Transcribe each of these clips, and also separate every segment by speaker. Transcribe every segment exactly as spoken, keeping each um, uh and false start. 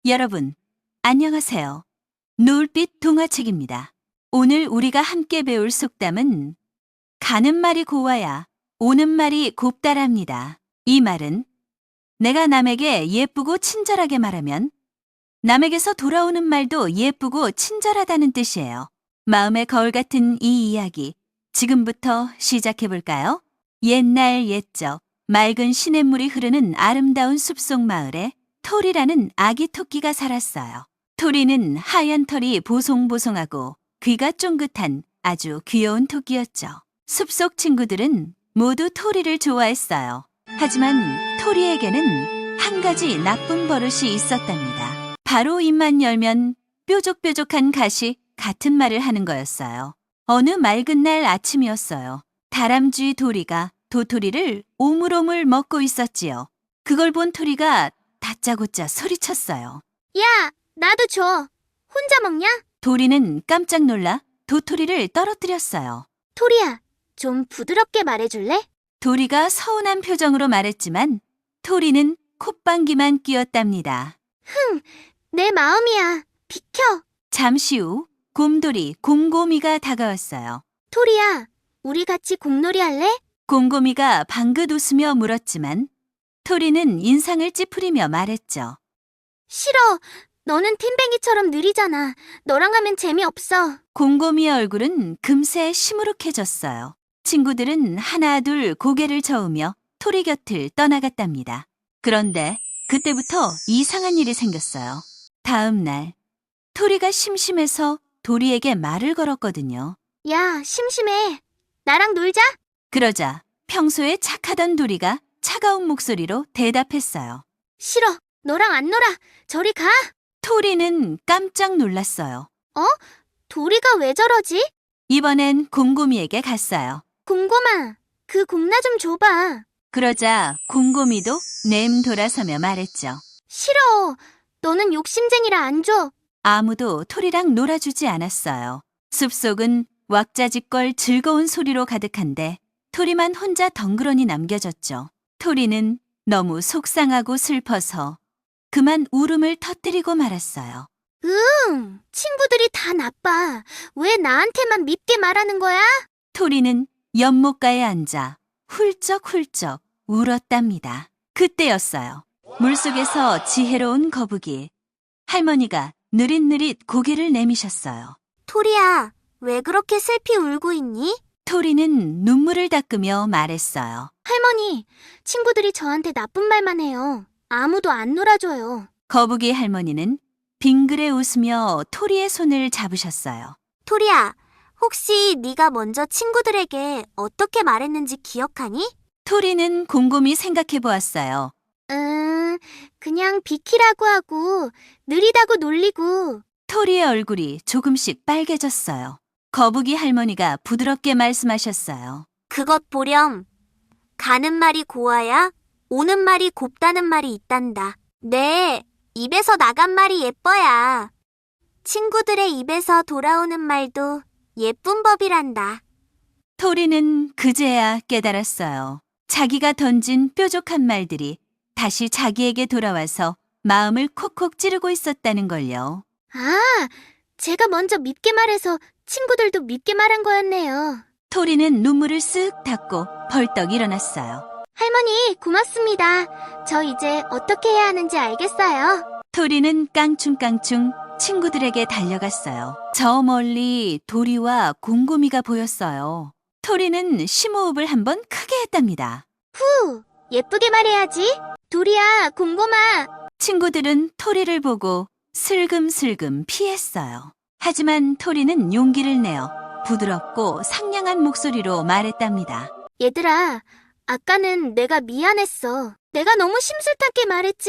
Speaker 1: 여러분, 안녕하세요. 노을빛 동화책입니다. 오늘 우리가 함께 배울 속담은 가는 말이 고와야 오는 말이 곱다랍니다. 이 말은 내가 남에게 예쁘고 친절하게 말하면 남에게서 돌아오는 말도 예쁘고 친절하다는 뜻이에요. 마음의 거울 같은 이 이야기, 지금부터 시작해 볼까요? 옛날 옛적 맑은 시냇물이 흐르는 아름다운 숲속 마을에 토리라는 아기 토끼가 살았어요. 토리는 하얀 털이 보송보송하고 귀가 쫑긋한 아주 귀여운 토끼였죠. 숲속 친구들은 모두 토리를 좋아했어요. 하지만 토리에게는 한 가지 나쁜 버릇이 있었답니다. 바로 입만 열면 뾰족뾰족한 가시 같은 말을 하는 거였어요. 어느 맑은 날 아침이었어요. 다람쥐 도리가 도토리를 오물오물 먹고 있었지요. 그걸 본 토리가 다짜고짜 소리쳤어요.
Speaker 2: 야, 나도 줘. 혼자 먹냐?
Speaker 1: 도리는 깜짝 놀라 도토리를 떨어뜨렸어요.
Speaker 2: 토리야, 좀 부드럽게 말해줄래?
Speaker 1: 도리가 서운한 표정으로 말했지만 토리는 콧방귀만 뀌었답니다.
Speaker 2: 흥, 내 마음이야. 비켜.
Speaker 1: 잠시 후 곰돌이 곰곰이가 다가왔어요.
Speaker 2: 토리야, 우리 같이 공놀이 할래?
Speaker 1: 곰곰이가 방긋 웃으며 물었지만 토리는 인상을 찌푸리며 말했죠.
Speaker 2: 싫어. 너는 팀뱅이처럼 느리잖아. 너랑 하면 재미없어.
Speaker 1: 곰곰이의 얼굴은 금세 시무룩해졌어요. 친구들은 하나 둘 고개를 저으며 토리 곁을 떠나갔답니다. 그런데 그때부터 이상한 일이 생겼어요. 다음 날 토리가 심심해서 도리에게 말을 걸었거든요.
Speaker 2: 야, 심심해. 나랑 놀자.
Speaker 1: 그러자 평소에 착하던 도리가 차가운 목소리로 대답했어요.
Speaker 2: 싫어. 너랑 안 놀아. 저리 가.
Speaker 1: 토리는 깜짝 놀랐어요.
Speaker 2: 도리가 왜 저러지?
Speaker 1: 이번엔 곰곰이에게 갔어요.
Speaker 2: 곰곰아, 그 공나 좀 줘봐.
Speaker 1: 그러자 곰곰이도 냄 돌아서며 말했죠.
Speaker 2: 싫어. 너는 욕심쟁이라 안 줘.
Speaker 1: 아무도 토리랑 놀아주지 않았어요. 숲속은 왁자지껄 즐거운 소리로 가득한데 토리만 혼자 덩그러니 남겨졌죠. 토리는 너무 속상하고 슬퍼서 그만 울음을 터뜨리고 말았어요.
Speaker 2: 응, 친구들이 다 나빠. 왜 나한테만 밉게 말하는 거야?
Speaker 1: 토리는 연못가에 앉아 훌쩍훌쩍 울었답니다. 그때였어요. 물속에서 지혜로운 거북이 할머니가 느릿느릿 고개를 내미셨어요.
Speaker 2: 토리야, 왜 그렇게 슬피 울고 있니?
Speaker 1: 토리는 눈물을 닦으며 말했어요.
Speaker 2: 할머니, 친구들이 저한테 나쁜 말만 해요. 아무도 안 놀아줘요.
Speaker 1: 거북이 할머니는 빙그레 웃으며 토리의 손을 잡으셨어요.
Speaker 2: 토리야, 혹시 네가 먼저 친구들에게 어떻게 말했는지 기억하니?
Speaker 1: 토리는 곰곰이 생각해 보았어요.
Speaker 2: 음, 그냥 비키라고 하고 느리다고 놀리고.
Speaker 1: 토리의 얼굴이 조금씩 빨개졌어요. 거북이 할머니가 부드럽게 말씀하셨어요.
Speaker 2: 그것 보렴. 가는 말이 고와야 오는 말이 곱다는 말이 있단다. 네, 입에서 나간 말이 예뻐야 친구들의 입에서 돌아오는 말도 예쁜 법이란다.
Speaker 1: 토리는 그제야 깨달았어요. 자기가 던진 뾰족한 말들이 다시 자기에게 돌아와서 마음을 콕콕 찌르고 있었다는 걸요.
Speaker 2: 아, 제가 먼저 밉게 말해서 친구들도 밉게 말한 거였네요.
Speaker 1: 토리는 눈물을 쓱 닦고 벌떡 일어났어요.
Speaker 2: 할머니, 고맙습니다. 저 이제 어떻게 해야 하는지 알겠어요.
Speaker 1: 토리는 깡충깡충 친구들에게 달려갔어요. 저 멀리 도리와 곰곰이가 보였어요. 토리는 심호흡을 한번 크게 했답니다.
Speaker 2: 후, 예쁘게 말해야지. 도리야, 곰곰아.
Speaker 1: 친구들은 토리를 보고 슬금슬금 피했어요. 하지만 토리는 용기를 내어 부드럽고 상냥한 목소리로 말했답니다.
Speaker 2: 얘들아, 아까는 내가 미안했어. 내가 너무 심술탄게 말했지?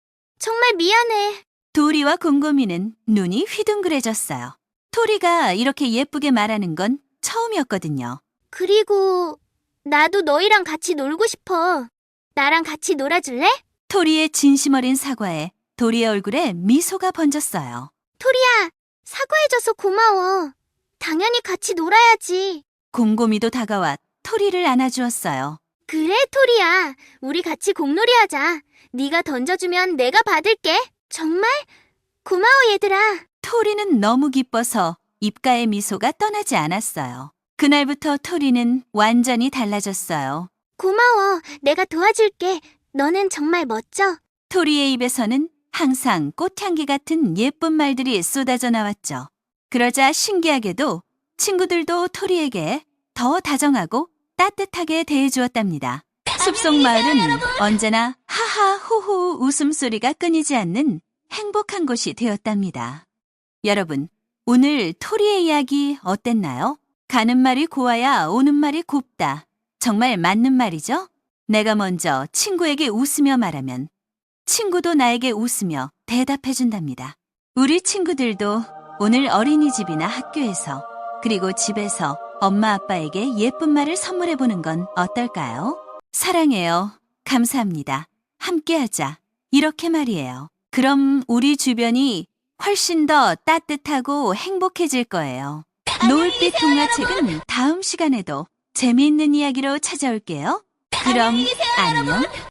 Speaker 2: 정말 미안해.
Speaker 1: 도리와 곰곰이는 눈이 휘둥그레졌어요. 토리가 이렇게 예쁘게 말하는 건 처음이었거든요.
Speaker 2: 그리고 나도 너희랑 같이 놀고 싶어. 나랑 같이 놀아줄래?
Speaker 1: 토리의 진심 어린 사과에 도리의 얼굴에 미소가 번졌어요.
Speaker 2: 토리야, 사과해줘서 고마워. 당연히 같이 놀아야지.
Speaker 1: 곰곰이도 다가와 토리를 안아주었어요.
Speaker 2: 그래, 토리야. 우리 같이 공놀이 하자. 네가 던져주면 내가 받을게. 정말? 고마워, 얘들아.
Speaker 1: 토리는 너무 기뻐서 입가의 미소가 떠나지 않았어요. 그날부터 토리는 완전히 달라졌어요.
Speaker 2: 고마워. 내가 도와줄게. 너는 정말 멋져.
Speaker 1: 토리의 입에서는 항상 꽃향기 같은 예쁜 말들이 쏟아져 나왔죠. 그러자 신기하게도 친구들도 토리에게 더 다정하고 따뜻하게 대해주었답니다. 숲속 마을은 언제나 하하 호호 웃음소리가 끊이지 않는 행복한 곳이 되었답니다. 여러분, 오늘 토리의 이야기 어땠나요? 가는 말이 고와야 오는 말이 곱다. 정말 맞는 말이죠? 내가 먼저 친구에게 웃으며 말하면 친구도 나에게 웃으며 대답해준답니다. 우리 친구들도 오늘 어린이집이나 학교에서 그리고 집에서 엄마 아빠에게 예쁜 말을 선물해보는 건 어떨까요? 사랑해요. 감사합니다. 함께하자. 이렇게 말이에요. 그럼 우리 주변이 훨씬 더 따뜻하고 행복해질 거예요. 노을빛 동화책은 다음 시간에도 재미있는 이야기로 찾아올게요. 그럼 안녕.